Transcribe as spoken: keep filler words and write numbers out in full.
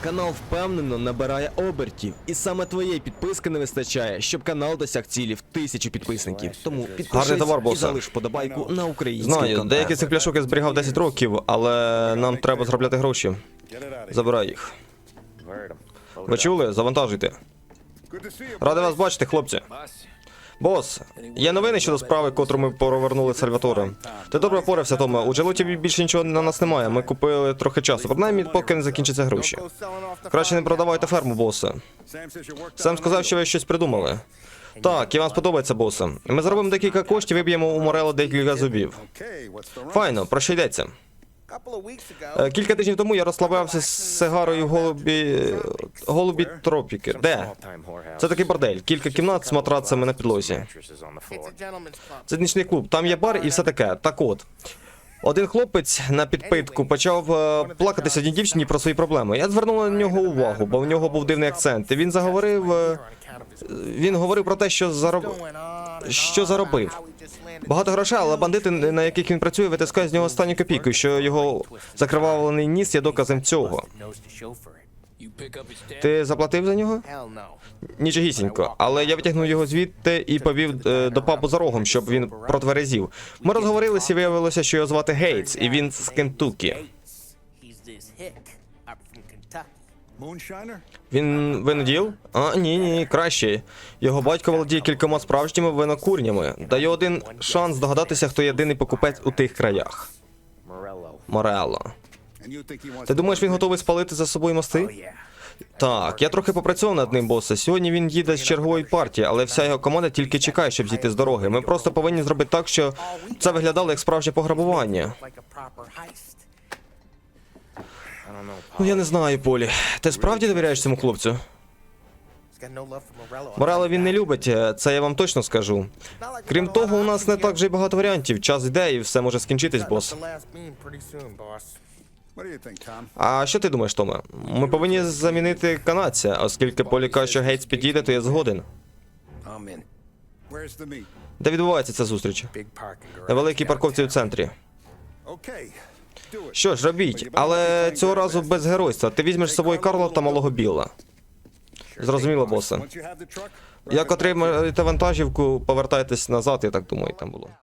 Канал впевнено набирає обертів, і саме твоєї підписки не вистачає, щоб канал досяг цілі в тисячу підписників. Тому підпишись товар, і босе. залиш подобайку на український Знаю, контент. деякі з цих пляшок я зберігав десять років, але нам треба заробляти гроші. Забирай їх. Ви чули? Завантажуйте. Радий вас бачити, хлопці. Бос, є новини щодо справи, котру ми повернули Сальваторе. Ти добре впорався, Томе. У Джелоті більше нічого на нас немає. Ми купили трохи часу, принаймні, поки не закінчаться гроші. Краще не продавайте ферму, босе. Сем сказав, що ви щось придумали. Так, і вам сподобається, босе. Ми заробимо декілька коштів і виб'ємо у Морело декілька зубів. Файно, про що йдеться? Е, Кілька тижнів тому я розслаблявся з сигарою в голубі... голубі тропіки. Де? Це такий бордель. Кілька кімнат з матрацами на підлозі. Це нічний клуб. Там є бар і все таке. Так от. Один хлопець на підпитку почав е, плакатися одній дівчині про свої проблеми. Я звернув на нього увагу, бо в нього був дивний акцент. І він заговорив... Е, він говорив про те, що зароб... що заробив. Багато грошей, але бандити, на яких він працює, витискають з нього останню копійку, що його закривавлений ніс є доказом цього. Ти заплатив за нього? Нічогісінько, але я витягнув його звідти і повів е, до пабу за рогом, щоб він протверезів. Ми розговорилися і виявилося, що його звати Гейтс, і він з Кентукі. Він виноділ? А, ні, ні, краще. Його батько володіє кількома справжніми винокурнями. Даю один шанс здогадатися, хто єдиний покупець у тих краях. Морело. Ти думаєш, він готовий спалити за собою мости? Так, я трохи попрацював над ним, босе. Сьогодні він їде з чергової партії, але вся його команда тільки чекає, щоб зійти з дороги. Ми просто повинні зробити так, що це виглядало як справжнє пограбування. Ну, я не знаю, Полі. Ти справді довіряєш цьому хлопцю? Морело він не любить, це я вам точно скажу. Крім того, у нас не так вже й багато варіантів. Час йде і все може скінчитись, бос. А що ти думаєш, Томе? Ми повинні замінити канадця, оскільки Полі каже, що Гейтс підійде, то я згоден. Де відбувається ця зустріч? На великій парковці у центрі. Що ж, робіть, але цього разу без геройства. Ти візьмеш з собою Карла та малого Білла. Зрозуміло, босе. Як отримаєте вантажівку, повертайтесь назад, я так думаю, там було.